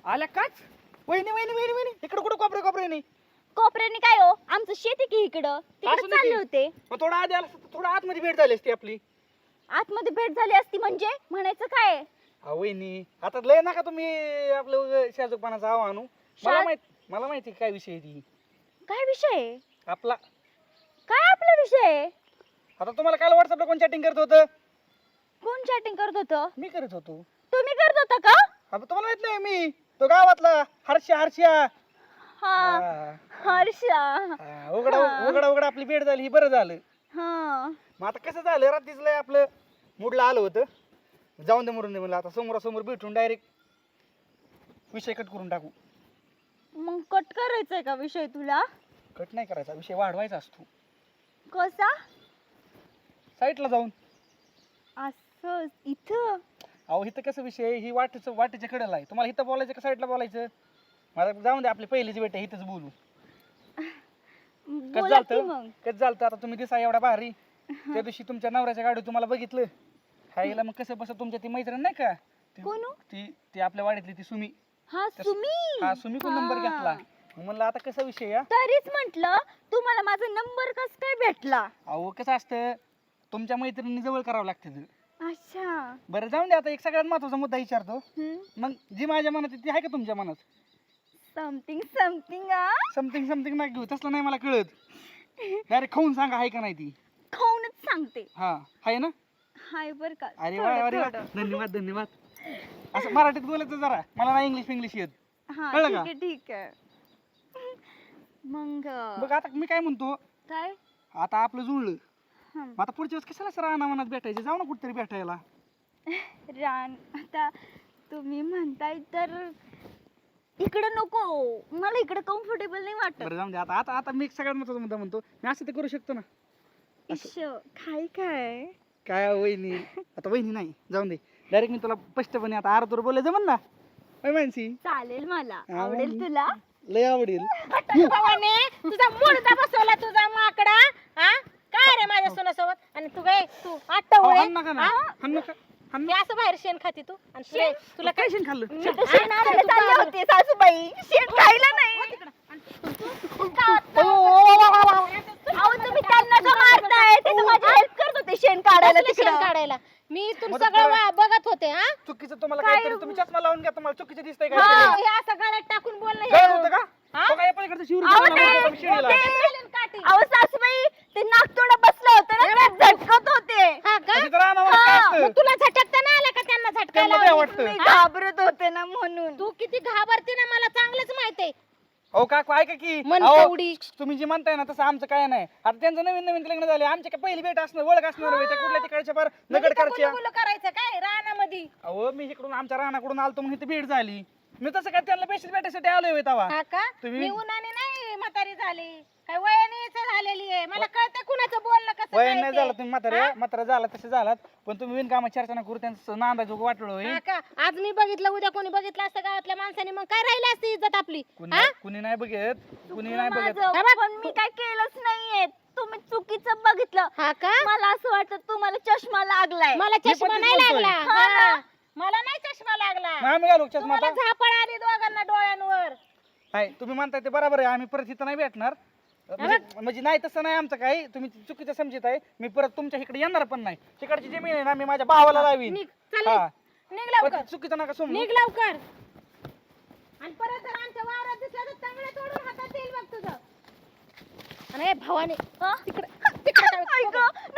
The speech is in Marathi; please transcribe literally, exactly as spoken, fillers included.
आल्या काच वहिनी वहिनी वहिनी वहिनी इकडे कुठं कोपरे कोपरे नाही कोपऱ्याने काय हो आमचं शेती की इकडं तिकडे असं नाही चालले की. होते. मग थोडं आधी आला असतं, थोडं आतमध्ये भेट झाली असती आपली. आतमध्ये भेट झाली असती म्हणजे म्हणायचं काय? हा वहिनी आता लय नका तुम्ही आपलं शाजूकपणाचा आव आणू. मला शा- माहित मला माहिती काय विषय आहे ती काय विषय? आपला. काय आपला विषय? आता तुम्हाला काल व्हॉट्सअपला कोण चॅटिंग करत होतं? कोण चॅटिंग करत होतं? मी करत होतो. तुम्ही करत होता का? आता तुम्हाला माहित नाही मी तो गावातला हर्षा हर्षा. हा हा. हर्षा. हा, उघडा हा. उघडा उघडा आपली भेट झाली ही बरं झालं. हा मग आता कसं झालं रात्रीच लय आपलं मूडला आलं होतं जाऊन दे मरून दे म्हणलं आता समोरासमोर भेटून डायरेक्ट विषय कट करून टाकू. मग कट करायचंय का विषय तुला? कट नाही करायचा विषय वाढवायचा असतो कसा? साईटला जाऊन. असं इथं अहो इथं कसं विषय ही वाटेचं वाटेच्या कडेला आहे तुम्हाला इथं बोलायचं का साईडला बोलायचं? मला जाऊन दे आपली पहिलीच भेट आहे इथंच बोलू. कसं बोला की झालं मग. कसं झालं आता तुम्ही दिसा एवढा भारी त्या दिवशी तुमच्या नवऱ्याच्या गाडीत तुम्हाला बघितलं खायला मग कसं बस तुमच्या ती मैत्रीण नाही का ती कोण हो? ती ती आपल्या वाडीतली ती सुमी. हा त्या- सुमी. हा सुमी कोण नंबर हा. घेतला मग म्हणलं आता कसा विषय या तरीच म्हंटल तुम्हाला माझा नंबर कस काय भेटला? अहो कसं असतं तुमच्या मैत्रिणी जवळ करावं लागतं. अच्छा. बरं जाऊन दे आता एक सगळ्यात महत्वाचा मुद्दा विचारतो हम्म. मग जी माझ्या मनात आहे ती आहे का तुमच्या मनात? Something something uh something something नाही घेऊ तसलं नाही मला कळत. डायरेक्ट खाऊन सांगा आहे का नाही ती. खाऊनच सांगते. हा आहे ना? हाय बर का. अरे वा अरे वा धन्यवाद धन्यवाद. असं मराठीत बोलायचं जरा मला नाही इंग्लिश इंग्लिश येत. हा कळलं ठीक का? आहे ठीक आहे. मग बघ आता मी काय म्हणतो काय? आता आपलं जुळलं हं. मग आता पुढच्या वेळेस कशाला सर रानावनात भेटायचं जाऊ ना कुठतरी भेटायला. रान आता तुम्ही म्हणताय तर इकडं नको मला इकडं कम्फर्टेबल नाही वाटत. बरं जाऊन दे आता आता आता मी एक सगळ्यात महत्वाचा मुद्दा म्हणतो मी असं ते करू शकतो ना. इश काय काय काय वहिनी आता वहिनी नाही जाऊन दे डायरेक्ट मी तुला स्पष्टपणे आता आरतूर बोलायचं जमन ना होय मानसी? चालेल मला हा, आवडेल मग. तुला. लय आवडेल. भवाने तुझा मुडदा बसवला तुझा माकडा हा काय रे माझ्या सोनासोबत आणि तू काय तू आट्टा अहो, होय हाण नका ना हा? हाण नका हाण हे असं बाहेर शेण खाती तू आणि तुला तुला काय शेण खाल्लं? मी तर शेण आणायला चालले होते सासूबाई शेण खायला नाही. अहो तुम्ही त्यांना का मारताय? ते तर माझी हेल्प करत होते शेण काढायला कसलं शेण तिकडं. काढायला मी तुम मदत सगळं करा. वा- बघत होते हा चुकीचं तुम्हाला काय काहीतरी हो? तुम्ही चष्मा लावून घ्या तुम्हाला चुकीचं दिसतंय हो, काय हे असं गळ्यात टाकून बोलणं गळत हे- होतं का? हा? तो काय पलीकडचं शिवरी अहो, तुम्हाला ते- मारत होता शिडीला. ते- चालेल काठी. अहो सासूबाई ते नागतोडा बसलं होतं ना ते झटकत होते. हा का अशी तर रानावनात काय हा, असतं? मग तुला झटकता नाही आला का त्यांना त्यांना झटकायला काय वाटतं? मी घाबरत होते ना म्हणून. तू किती घाबरते ना मला चांगलंच माहितीये अहो काकू ऐका की मन अहो, तेवढी. तुम्ही जे म्हणताय ना तसं आमचं काय नाही आता त्यांचं नवीन नवीन लग्न झाले आमच्या काय पहिली भेट असणार ओळख असणार होय, त्या कुठल्या तिकडच्या फार नगडकरच्या. गुलगुल करायचं काय रानामध्ये अहो मी इकडून आमच्या रानाकडून आलतो म्हणून इथे भेट झाली मी तसं काय त्यांना पेशीच भेटायसाठी आलोय होय तेव्हा. हा का तुम्ही- मी उन्हाने नाही म्हातारी झाली काय वयाने झालेली आहे मला कळतं कुणाचं बोलणं कसं वय काय नाही ते. झालं तुम्ही म्हातारे म्हातारा झाला तसे झालात पण तुम्ही बिनकामा चर्चा न करू त्यांचं नांदायचं वाटलं होय. हा का आज मी बघितलं उद्या कोणी बघितलं असतं गावातल्या माणसाने मग काय राहिली असती इज्जत आपली कुणी हा? कुणी नाही बघत कुणी नाही बघत. माझं, हे बघ. पण मी काय केलंच नाहीये. तुम्ही चुकीचं बघितलं. हा का मला असं वाटतं तुम्हाला चष्मा लागलाय. मला मी चष्मा पण नाही तेच लागला बोलतोय. हा. मला नाही चष्मा लागला मग आम्ही घालू चष्मा तुम्हाला आता? झापड आली दोघांना डोळ्यांवर नाही तुम्ही म्हणताय ते बरोबर आहे आम्ही परत इथं नाही भेटणार म्हणजे म्हणजे नाही तसं नाही आमचं काही तुम्ही चुकीचं समजत आहे मी परत तुमच्या इकडे येणार पण नाही तिकडची जमीन आहे ना मी माझ्या भावाला लावीन. निघ चल हा. निघ पण लवकर ते चुकीचं नका समजू. निघ लवकर आणि परत जर आमच्या वावरात दिसला तर चांगलं तोडून हातात येईल बघ तुझं आणि हे भावाने हा? तिकडे तिकडे ऐक,